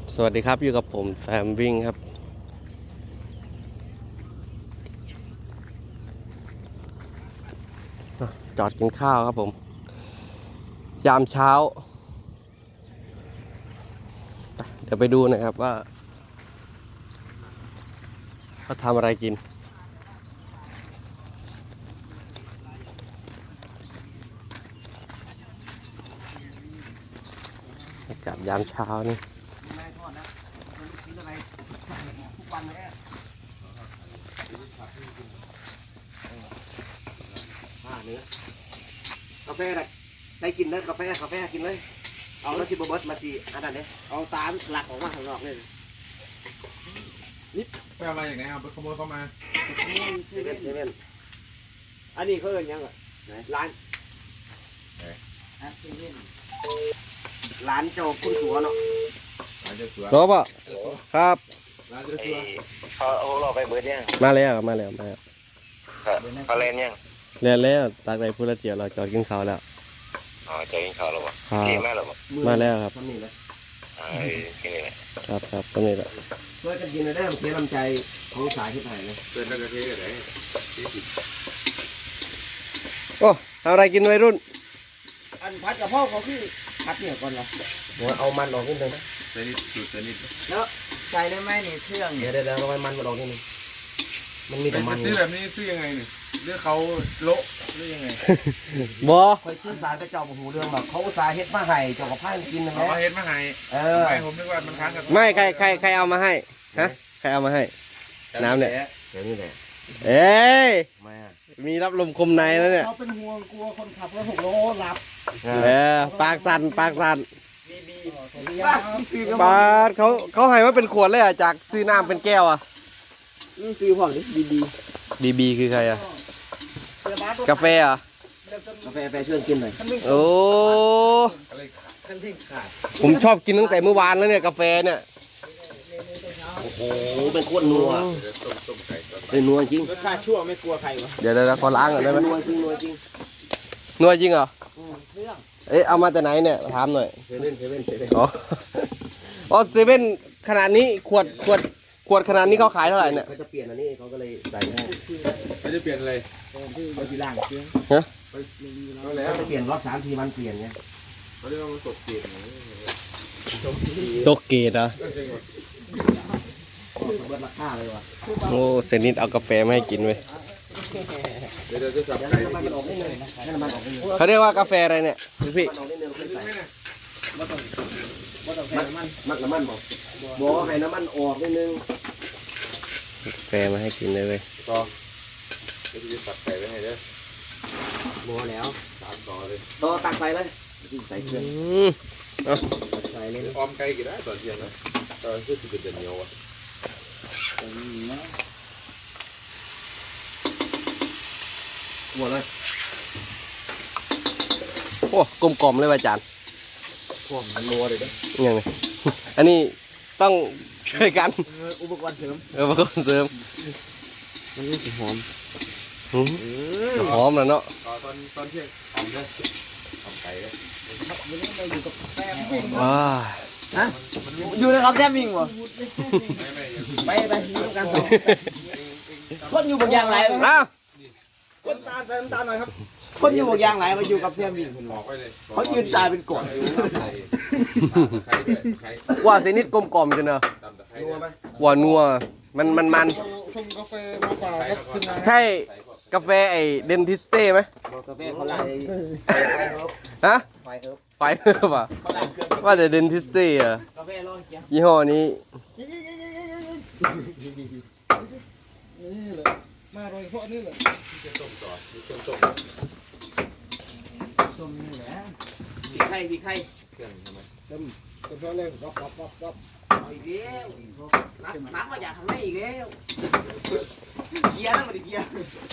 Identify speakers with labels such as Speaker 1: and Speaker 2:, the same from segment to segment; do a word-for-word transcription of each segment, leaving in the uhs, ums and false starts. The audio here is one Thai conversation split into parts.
Speaker 1: สวัสดีครับอยู่กับผมแซมวิ่งครับจอดกินข้าวครับผมยามเช้าเดี๋ยวไปดูหนะครับว่าเขาทำอะไรกินอากาศยามเช้านี่กาแฟได้ได้กินเลยกาแฟกาแฟกินเลยเอาแล้วชิบเบิร์ดมาสิอันนั้นเนี่ยเอาตาหลักออกมาข้างนอกเลย
Speaker 2: นี่ไปเอามาอย่างไรเอาไปขโมยเข้ามา
Speaker 1: เซเว่นเซเว่น
Speaker 3: อันนี้เขาเอิ้นยังไงร้าน
Speaker 1: ร้านเจ้าคุณสัวเนาะ
Speaker 2: ร้านเจ้าสัว
Speaker 1: รบอ่ะครับ
Speaker 2: ร้านเจ้าสัว
Speaker 4: เขาเอาเราไปเบิดยัง
Speaker 1: มาแล้วมาแล้วมาแล้ว
Speaker 4: เขาเล่นยัง
Speaker 1: แล้วแล้วตักได้พูดละเจียวเราจอดกินข้าวแล้ว
Speaker 4: อ๋อจะกินข้าวแล้วบ่
Speaker 1: ครับ
Speaker 4: กินมาแล้วบ่
Speaker 1: มาแล้วครับ
Speaker 4: อ่ากินนี่แหละ
Speaker 1: ครับครับตรงนี้แหละ
Speaker 3: เพื่อจะกินได้เพื่อลำใจของสายที่ไหนเลย
Speaker 2: เกินแล้วก็เทอะไร
Speaker 1: โอ้ทำอะไรกินวัยรุ่น
Speaker 3: อันพัดกับพ่อเขาคือพัดเนี่ยก่อนเหรอ
Speaker 1: หัวเอามันออกนิดนึงนะ
Speaker 2: เซนิดสูตรเซนิด
Speaker 3: แล้วใจได้ไหมนี่เครื่อง
Speaker 1: เดี๋ยวเดี๋ยวเดี๋ยวเอามันมันออกนิดนึงมันมีแต่มัน
Speaker 2: ซื้อแบบนี้ซื้อยังไงเนี่ยเรื่องเขาโละหรือยังไง
Speaker 1: บอ
Speaker 3: คอยชื่อสารกระเจ้าหูเรื่องแบบเขาอุตส่าห์เฮ็ดมาให้เจ้ากับพ่านกินนะ
Speaker 2: เอา
Speaker 3: แม่
Speaker 2: มาเฮ็ดมาให้
Speaker 3: เออ
Speaker 2: ไม่ผมนึกว่ามันค้างกัน
Speaker 1: ไม่ใครใครใครเอามาให้ฮะใครเอามาให้น้ำเนี่ย
Speaker 3: เดี๋ยวนี้แหละ
Speaker 1: เอ้ย
Speaker 3: มา
Speaker 1: มีรับลมคมในแล้วเนี่ย
Speaker 3: เขาเป็นห่วงกลัวคนขับรถหกล้อรับ
Speaker 1: เออปากสั่นปากสั่น
Speaker 3: บีบี
Speaker 1: ปาดเขาเขาให้มาเป็นขวดเลยอ่ะจากซื้อน้ำเป็นแก้วอ่ะ
Speaker 3: นี่ซื้อพวกนี้บีบี
Speaker 1: บีบีคือใครอ่ะกาแฟอ่ะ
Speaker 3: กาแฟแฟชวนกินหน่อย
Speaker 1: โอ้
Speaker 3: ขั้นที่ขาด
Speaker 1: ผมชอบกินตั้งแต่เมื่อวานแล้วเนี่ยกาแฟเนี่ย
Speaker 3: โอ้โหเป็นโคตรนัว
Speaker 2: ต้มต้มไก่ก่อน
Speaker 3: เป็นนัวจริงรสชาติชั่วไม่กลัวใครวะ
Speaker 1: เดี๋ยวเดี๋ยวขอล้างก่อนได้ไหม
Speaker 3: นัวจริงนัวจริง
Speaker 1: นัวจริงเหรอ
Speaker 3: เครื่อง
Speaker 1: เอ๊ะเอามาจากไหนเนี่ยถามหน่อย
Speaker 3: เซเว่นเซเว่นเซเว่น
Speaker 1: อ๋อ อ๋อเซเว่นขนาดนี้ขวดขวดขวดขนาดนี้เขาขายเท่าไหร่เนี่ย
Speaker 3: เขาจะเปลี่ยนอันนี้เขาก็เลยใส่ให้
Speaker 2: เขาจะเปลี่ยนอะไร
Speaker 3: เขาที่ล่างเครื่อง
Speaker 1: ฮะ
Speaker 2: เขาแล้ว
Speaker 3: เขาจะเปลี่ยนรอบสามทีมันเปลี่ยนไง
Speaker 2: เขาเรียกว่ามันตกเกล็ด
Speaker 1: โตเกตอ่ะ
Speaker 3: เบิดราคาเลยว่ะ
Speaker 1: โอ้เซนิดเอากาแฟมาให้กินเว้ย
Speaker 2: เดี๋ยวเราจะสับ
Speaker 3: เดี๋ยว
Speaker 2: ไก่
Speaker 3: น้ำมันมันออกนิดนึงให้น้ำมันออกนิดนึง
Speaker 1: เขาเรียกว่ากาแฟอะไรเนี่ยพี่
Speaker 3: มันออกนิดนึงค่อยใส่
Speaker 2: ไม่น่ะ
Speaker 3: ว่าต้องใส่น้ำมันมักน้ำมันบอกบอกให้น้ำมันออกนิดนึง
Speaker 1: กาแฟมาให้กินเลยเว้ย
Speaker 2: ต่อเดี๋ยวจะสับไก่ไว้ให้เด้อ
Speaker 3: บอกแล้ว
Speaker 2: สามต่อเลย
Speaker 3: ต่อตักใส่เลยใส่เครื่อง
Speaker 1: อืม
Speaker 3: ตักใส่เลย
Speaker 2: ออมไก่กี่ได้ตอนเที่ยงนะตอนที่สิบเอ็ดเหนียวอ่ะ
Speaker 3: หัวเลย
Speaker 1: โอ้กลมกล่อมเลยว่ะอาจารย์
Speaker 3: พวกมันนัวเลยเด้อ
Speaker 1: ยังไง อันนี้ต้องช่วยกัน
Speaker 3: อุปกรณ์เสริม
Speaker 1: เออมาคนเสริม
Speaker 3: มันนี่สิหอม
Speaker 1: หืมหอมแล้วเนาะ
Speaker 2: ตอนตอนเที่ยงออมเด้อออมไก่เด้อ
Speaker 1: ว้า
Speaker 3: ฮะอยู่นะครับแซมมิงวะ
Speaker 2: ไม่ไม่
Speaker 3: ไปไปอยู่กันสองคนอยู่บางอย่างไร
Speaker 1: อ้าว
Speaker 3: คนตาใส่น้ำตาหน่อยครับคนอยู่บางอย่างไรมาอยู่กับแซมมิงคุณ
Speaker 2: บอกไว้เลย
Speaker 3: เขายืนตายเป็นกด
Speaker 2: ไข่ด้วยไข่
Speaker 1: ว่าเซนิดกลมกล่อมจังเนอะ
Speaker 2: ตำตะไคร้
Speaker 3: นัวไหม
Speaker 1: ว่านัวมันมันมัน
Speaker 2: ชงกาแฟมาเปล่าครับคุณนาย
Speaker 1: ใช่กาแฟไอเดนทิสเต้ไหม
Speaker 3: บอกกาแฟเขาไล่ไฟเฮิร์บ
Speaker 1: ฮะ
Speaker 3: ไฟเฮิร์บ
Speaker 1: ไปเถอะป่ะ
Speaker 3: เขาไล่เครื่อง
Speaker 1: ว่าแต่เดนทิสเต้อะ
Speaker 3: กาแฟร้อนเกี๊ยว
Speaker 1: ยี่ห้อนี้
Speaker 2: มาโดยเฉพาะนี่เลยต้มต่อต้มต้ม
Speaker 3: ส้มนี่แหละพี่ไข่พี่ไข่
Speaker 2: เครื่องทำไม
Speaker 3: ต้มต้มเลยรับรับรับรับเอาอีกแล้วน้ำน้ำมาอยากทำได้อีกแล้วเกี๊ยวนะมาดิเกี๊ยว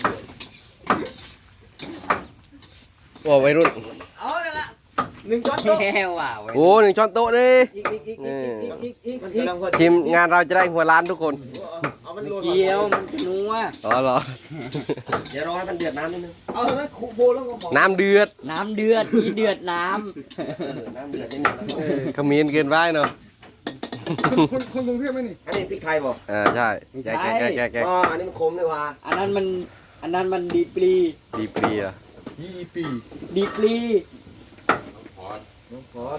Speaker 1: ว่าวัยรุ่น
Speaker 3: เอาเลยละหนึ่งช้อนโต๊ะแก้วว่ะ
Speaker 1: โอ้หนึ่งช้อนโต๊ะดิ
Speaker 3: อีกอีกอีกอีกอีกอีกอีกอีก
Speaker 1: ทีมงานเราจะได้หัวล้านทุกคน
Speaker 3: เอามันเกี๊ยวมันจะนัว
Speaker 1: อ๋อเหรอ
Speaker 3: เดี๋ยวรอให้มันเดือดน้ำนิดนึงเอาเลยคุโบแล้วก็บอก
Speaker 1: น้ำเดือด
Speaker 5: น้ำเดือดอีเดือดน้
Speaker 3: น้ำเดือดนิดนึง
Speaker 1: ขมิ้นเกินไปเนาะ
Speaker 5: ำ
Speaker 2: คนคนกรุงเทพไหมนี่
Speaker 1: อันนี้พริกไทยบ่
Speaker 5: เออใช่แกะแกะแกะแกะแกะ
Speaker 1: อ๋ออันนี้มันคมเลยว่ะ
Speaker 3: อันนั้นมันอันนั้นมันดีปรี
Speaker 5: ดีปรีอ่ะ
Speaker 2: ยี่ปี
Speaker 3: ดีปรี
Speaker 2: น้องขอ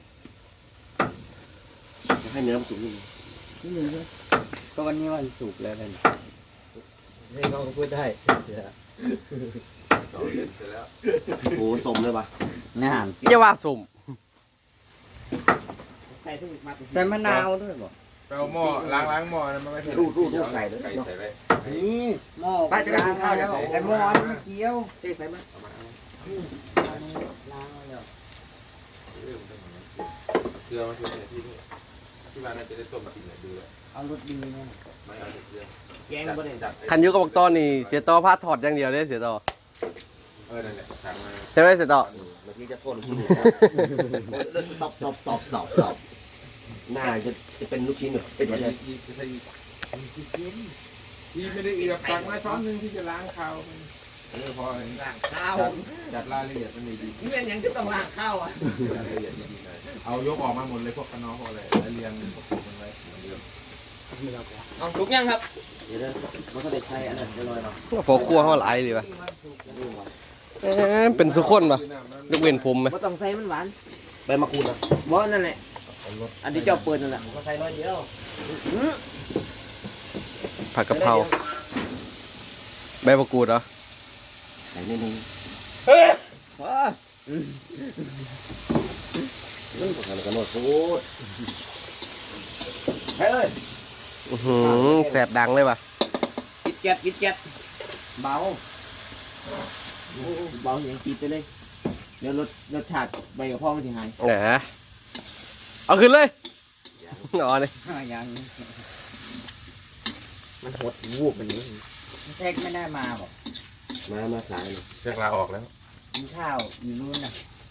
Speaker 1: ให้เนื้อมันสุกนิดนึง
Speaker 2: นี่หนึ่งใช่
Speaker 3: ก็วันนี้วันศุกร์แล้วกัน
Speaker 2: ให้น้องพูดได้
Speaker 1: โอ้โหสมเลยว่ะ
Speaker 3: งาน
Speaker 5: อย่าว่าสุ่ม
Speaker 3: ใส่มะนาวด้วยบ่
Speaker 6: ไปเอาหม้อล้างล้างหม้อนะมันไม่ใช่
Speaker 1: รูดรูดรูดใส่เลย
Speaker 6: ไก่ใส่ไป
Speaker 3: นี่หม้อ
Speaker 1: ป้าจะได้กินข้าวจากสองคน
Speaker 3: ไอ้หม้อนี่มันเกี๊ยว
Speaker 1: เจ๊ใส่มา
Speaker 3: ล้างแล้ว
Speaker 6: เกลือมาช่วยที่นี่ที่บ้านน่าจะได้ต้มกินเลยดูแล้ว
Speaker 3: เอารสดีนะ
Speaker 6: ไม่เอาเกลือ
Speaker 3: แกงบ่ได้
Speaker 6: จัด
Speaker 5: คันยุกับบักตอนนี่เสียต่อพาถอดอย่างเดียวเด้เสียต่อ
Speaker 6: เออนั่นแหละสั่งมา
Speaker 5: ใช่ไหมเสียต่อ
Speaker 1: เมื่อกี้จะโทษลูกชิ้นเลิกสต็อปสต็อปสต็อปสต็อปสต็อปหน้าจะจะเป็นลูกชิ้นเหรอเป็นอะไร
Speaker 6: ที่ที่ที่ไม่ได้เอียบสั่งมาช้อนนึงที่จะล้างข้าวเออพอ
Speaker 3: ล้างข้าว
Speaker 6: จัดรายละเอียดมันดีดี
Speaker 3: นี่เป็นหยังจะต้องล้างข้าวอ่ะ
Speaker 6: รายละเอียดดีๆเลยเอายกออกมาหมดเลยพวกขนมพวกอะไรแล้วเรียงมันไว้เหมือนเดิม
Speaker 3: เอาทุกอย่างครับ
Speaker 1: เดี๋ยวนะมันก็ได้ใช้อันนั้นลอยๆเนาะ
Speaker 5: พอครัวเขาหลายเลยปะเอ๊ะเป็นสุคนปะยกเว้นผมไหม
Speaker 3: บ่ต้องใส่มันหวาน
Speaker 1: ใบมะกรูดนะ
Speaker 3: บ่นั่นแหละอันที่เจ้าเปิดนั่นแหละ
Speaker 1: ก็ใส่น้อยเดียว
Speaker 5: ผัดกะเพราใบมะกรูดเหรอ
Speaker 1: ใส่นิดนึง
Speaker 3: ว้า
Speaker 1: ทำกันหมดพูดใช่เลย
Speaker 5: อื้อหือแสบดังเลยปะ
Speaker 3: กิดแก๊ดกิดแก๊ดเบาโอ้เบาอย่างกิดไปเลยเดี๋ยวรสรสชาติใบกะเพรามันสิหาย
Speaker 5: แหมเอาขึ้นเลยอ๋อนี่
Speaker 3: ยังมันหดวูบแบบนี้แท็กไม่ได้มาบอก
Speaker 1: มามาสายเลย
Speaker 6: เช็คลาออกแล้ว
Speaker 3: กินข้าวอยู่นู่นน่ะ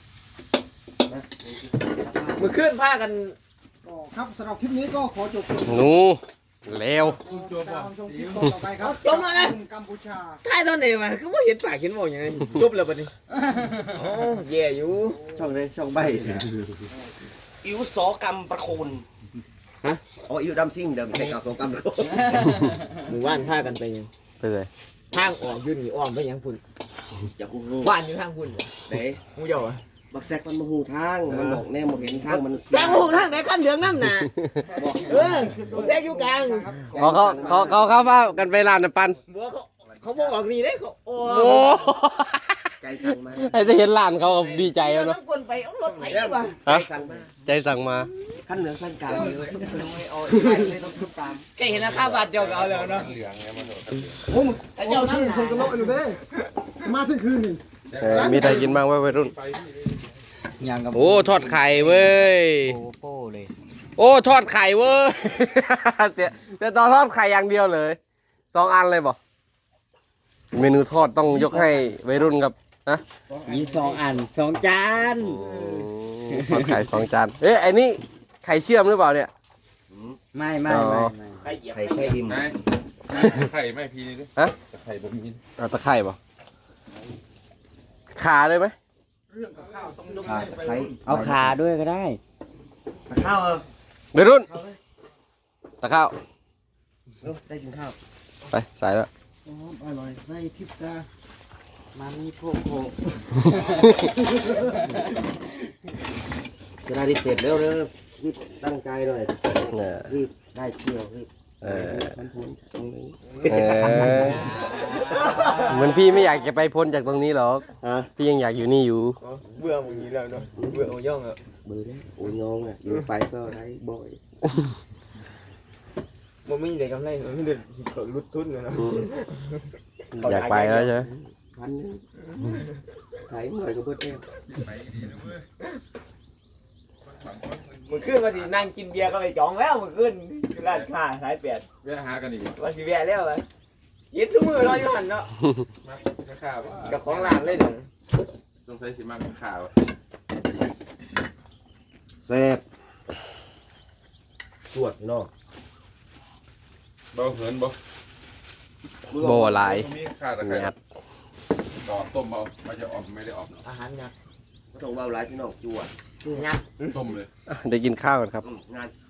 Speaker 3: มือขึ้นผ้ากัน
Speaker 2: ก็ครับสำหรับคลิปนี้ก็ขอจบ
Speaker 5: หนูแล้ว
Speaker 6: ตัวบอ
Speaker 2: ชมคลิปต่อไปครับกัมพูชา
Speaker 3: ท้ายตอนไหนมาก็ไม่เห็นปากเห็นบอกอย่างไรจบแล้วปะนี่โอ้แย่อยู่
Speaker 1: ช่องเลยช่องใบอิวสอกรรมประโคนฮะอ๋ออิวดำซิ่งเดิมแต่เก่าสอกรรมประโคน
Speaker 3: หมู่บ้านผ้ากันไปยัง
Speaker 5: ไปเลย
Speaker 3: ทางออกอยืนนี่อ้อมไปยังพุ่น
Speaker 1: อย่ากูรู้
Speaker 3: บ้านอยู่ทางพุ่น
Speaker 1: เด้
Speaker 3: มูเจ้าอ่ะ
Speaker 1: บักแซกมันมาหูทางมันบอกแน่มาเห็นทางมัน
Speaker 3: ทางหูทางไหนขั้นเหลืองน้ำหนาเออผมแท็กอยู่กลาง
Speaker 5: เขาเขาเขาเขาเข้าฟ้ากันไปร้านน้ำปัน
Speaker 3: บัวเขาเขาบอกออกนี่ได้เขาโอ้
Speaker 5: โอ้
Speaker 1: ไก่สั่งมา
Speaker 5: ไอ้จะเห็นร้านเขาก็ดีใจแล้วเนาะ
Speaker 3: น้ำคนไปเอารถไปดีกว่า
Speaker 1: ไก่สั่งมา
Speaker 5: ใจสั่งมา
Speaker 1: ขั้นเหนือสั้นกลางเลยไม่เอาไก่เลยต้องทุบตาม
Speaker 3: แกเห็นราคาบาทเดียวก็เอาแล้วเนาะ
Speaker 6: เหลืองเนี่ยมัน
Speaker 2: โอ้ม
Speaker 3: แต่เจ้าน้ำหนา
Speaker 2: คนกระโลกอยู่เด้มาถึงคืนนี่
Speaker 5: เออมีอะไรกินบ้างวะวัยรุ่น
Speaker 6: ไปที่
Speaker 3: ยังกับ
Speaker 5: โอ้ทอดไข่เว้ย
Speaker 3: โอ้โป้เลย
Speaker 5: โอ้ทอดไข่เว้ย เสียแต่ตอนทอดไข่อย่างเดียวเลยสองอันเลยบ่เมนูทอดต้องยกให้วัยรุ่นกับนะ
Speaker 3: มีสองอันสองจาน
Speaker 5: ทอดไข่สองจานเอ๊ะไอ้นี่ไข่เชื่อมหรือเปล่าเนี่ย
Speaker 3: ไม่ไม่ไม่ไม่
Speaker 1: ไข่ไข่ดิม
Speaker 6: ไหนไข่ไม่พีนี่ดิ
Speaker 5: ฮะ
Speaker 6: ไข่บ่มี
Speaker 5: เอาตะไคร่ป่ะขาเลยไหม
Speaker 2: เรื่องกับข้าวต้องยก
Speaker 1: ขา
Speaker 2: ให้ไป
Speaker 1: ไข่
Speaker 3: เอาขาด้วยก็ได้
Speaker 1: ข้าวเออ
Speaker 5: วัยรุ่น
Speaker 1: ข้าวเลย
Speaker 5: ตะข้าว
Speaker 1: ได้กินข้าว
Speaker 5: ไปใส่แล้ว
Speaker 2: หอมอร่อยใส่ทิพตา
Speaker 3: มามีโพกโพก
Speaker 1: จะได้รีบเสร็จแล้วเด้อรีบตั้งใจหน่อย
Speaker 5: เนี่ย
Speaker 1: รีบได้เที่ยวรีบ
Speaker 5: เออ
Speaker 1: มันพ้นตรงนี้
Speaker 5: เออเหมือนพี่ไม่อยากจะไปพ้นจากตรงนี้หรอก
Speaker 1: ฮะ
Speaker 5: พี่ยังอยากอยู่นี่อยู่
Speaker 3: เบื่อมึงนี้แล้วเนาะเบื่อโอย่องอ่ะ
Speaker 1: เบื่อแล้วโอ้ยน้องอ่ะอยู่ไปก็ได้บ่อย
Speaker 3: มันไม่ได้กำไรมันไม่ได้ลุดทุนเลยนะ
Speaker 5: อยากไปแล้วใช่ไหม
Speaker 1: พันนึงไข่หน่อยก็เพิ่มเอง
Speaker 3: มันขึ้นมาสินั่งกินเบียร์ก็ไปจองแล้วมันขึ้นร้านค้าสายแปด
Speaker 6: แวะหากันอีก
Speaker 3: ว่าสิแวะแล้วอ่ะยิบทุกมือรออยู่หันเนาะ
Speaker 6: มาข้าว
Speaker 3: กับของร้านเลยเด้อ
Speaker 6: ต้องใช้สิมากข้าว
Speaker 1: แซ่บสวดพี่น้อง
Speaker 6: เบาเหินบ่
Speaker 5: โบหลาย
Speaker 6: มีข้าวตะไคร้
Speaker 5: งัด
Speaker 6: ดอกต้มเอาไม่จะออมไม่ได้ออมเนาะ
Speaker 3: อาหารยักษ์
Speaker 1: ต้องเบาหลายพี่น้องจวด
Speaker 3: ยักษ์
Speaker 6: ต้มเลย
Speaker 5: ได้กินข้าวกันครับ
Speaker 1: อืมงาน